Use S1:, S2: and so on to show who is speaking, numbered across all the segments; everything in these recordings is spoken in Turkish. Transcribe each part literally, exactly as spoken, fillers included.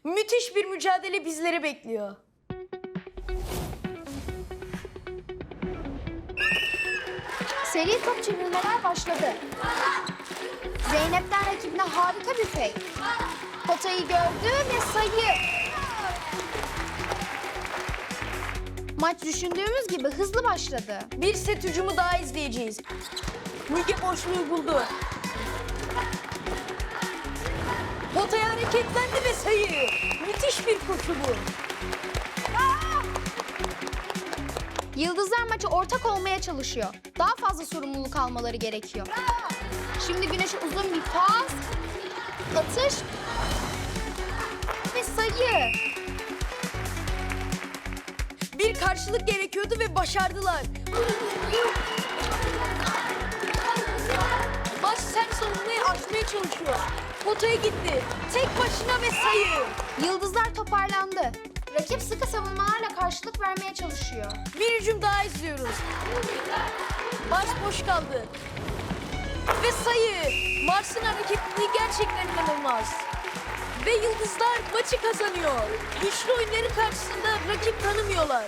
S1: Müthiş bir mücadele bizleri bekliyor.
S2: Seri top çevirmeler başladı. Zeynep'ten rakibine harika bir fake. Potayı gördü ve sayı. Maç düşündüğümüz gibi hızlı başladı.
S1: Bir set hücumu daha izleyeceğiz. Müge boşluğu buldu. Potaya hareketlendi ve sayı. Müthiş bir koşu bu.
S2: Yıldızlar maçı ortak olmaya çalışıyor. Daha fazla sorumluluk almaları gerekiyor. Şimdi Güneş'e uzun bir pas, atış ve sayı.
S1: Bir karşılık gerekiyordu ve başardılar. Maç sert savunmayı aşmaya çalışıyor. Potaya gitti. Tek başına ve sayı.
S2: Yıldızlar toparlandı. Rakip sıkı savunmalarla karşılık vermeye çalışıyor.
S1: Bir hücum daha izliyoruz. Maç boş kaldı. Ve sayı. Mars'ın hareketliliği gerçekten inanılmaz. Ve Yıldızlar maçı kazanıyor. Güçlü oyunları karşısında rakip tanımıyorlar.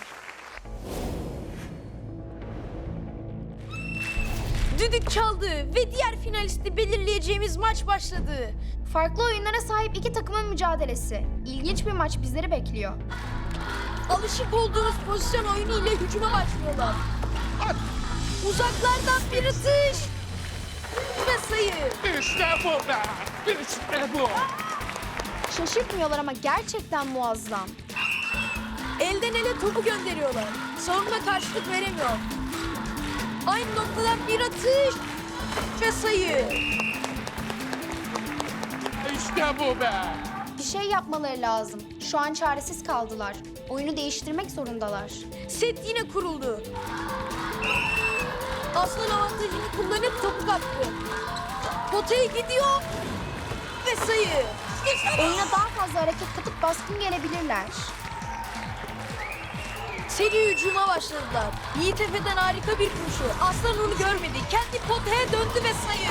S1: Düdük çaldı ve diğer finalisti belirleyeceğimiz maç başladı.
S2: Farklı oyunlara sahip iki takımın mücadelesi. İlginç bir maç bizleri bekliyor.
S1: Alışık olduğunuz pozisyon oyunu ile hücuma başlıyorlar. Uzaklardan bir atış ve sayı.
S3: İşte bu be! İşte bu!
S2: Şaşırtmıyorlar ama gerçekten muazzam.
S1: Elden ele topu gönderiyorlar. Savunma karşılık veremiyor. Aynı noktadan bir atış ve sayı.
S3: İşte bu be!
S2: Bir şey yapmaları lazım. Şu an çaresiz kaldılar. Oyunu değiştirmek zorundalar.
S1: Set yine kuruldu. Aslan avantajını kullanıp topu kaptı. Potaya gidiyor ve sayı.
S2: Oyuna daha fazla hareket katıp baskın gelebilirler.
S1: Seri hücuma başladılar. Yiğit Efe'den harika bir koşu. Aslan onu görmedi. Kendi potaya döndü ve sayı.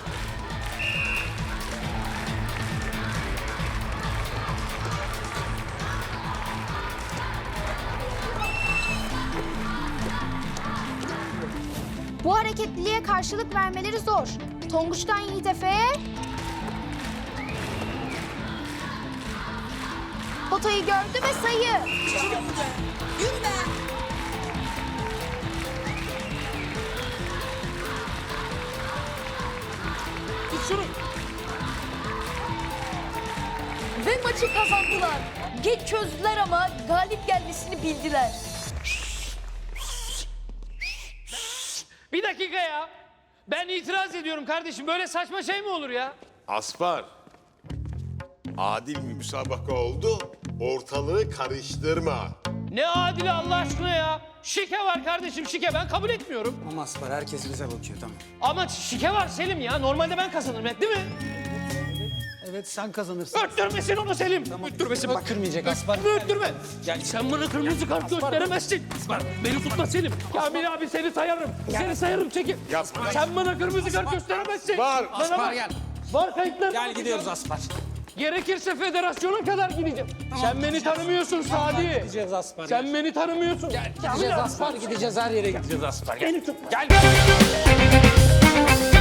S2: Bu hareketliliğe karşılık vermeleri zor. Tonguç'tan Yiğit Efe'ye... Potayı gördü ve sayı.
S1: Yürü be.
S3: Tut şunu!
S1: Ve maçı kazandılar. Geç çözdüler ama galip gelmesini bildiler.
S3: Bir dakika ya! Ben itiraz ediyorum kardeşim. Böyle saçma şey mi olur ya?
S4: Aspar, adil bir müsabaka oldu, ortalığı karıştırma.
S3: Ne adili Allah aşkına ya! Şike var kardeşim, şike. Ben kabul etmiyorum.
S5: Ama Aspar herkes bize bakıyor tamam.
S3: Ama şike var Selim ya. Normalde ben kazanırım hep değil mi?
S5: Evet sen kazanırsın.
S3: Öttürmesin onu Selim.
S5: Öttürmesin bak kırmayacak Aspar.
S3: Öttürme.
S5: Gel.
S3: Sen bana kırmızı kart gösteremezsin. Beni tutma Selim. Kamil abi seni sayarım. Seni sayarım çekil.
S4: Yapma.
S3: Sen bana kırmızı kart gösteremezsin.
S4: Var.
S3: Bana
S5: Aspar
S3: bak.
S5: gel.
S3: Var kayıtlar.
S5: Gel gidiyoruz Aspar.
S3: Gerekirse federasyona kadar gideceğim. Sen beni tanımıyorsun Sadi.
S5: Gideceğiz Aspar.
S3: Sen beni tanımıyorsun.
S5: Gel, gideceğiz Aspar, gideceğiz her yere gideceğiz Aspar. Gel.
S3: Beni tutma.
S5: Gel.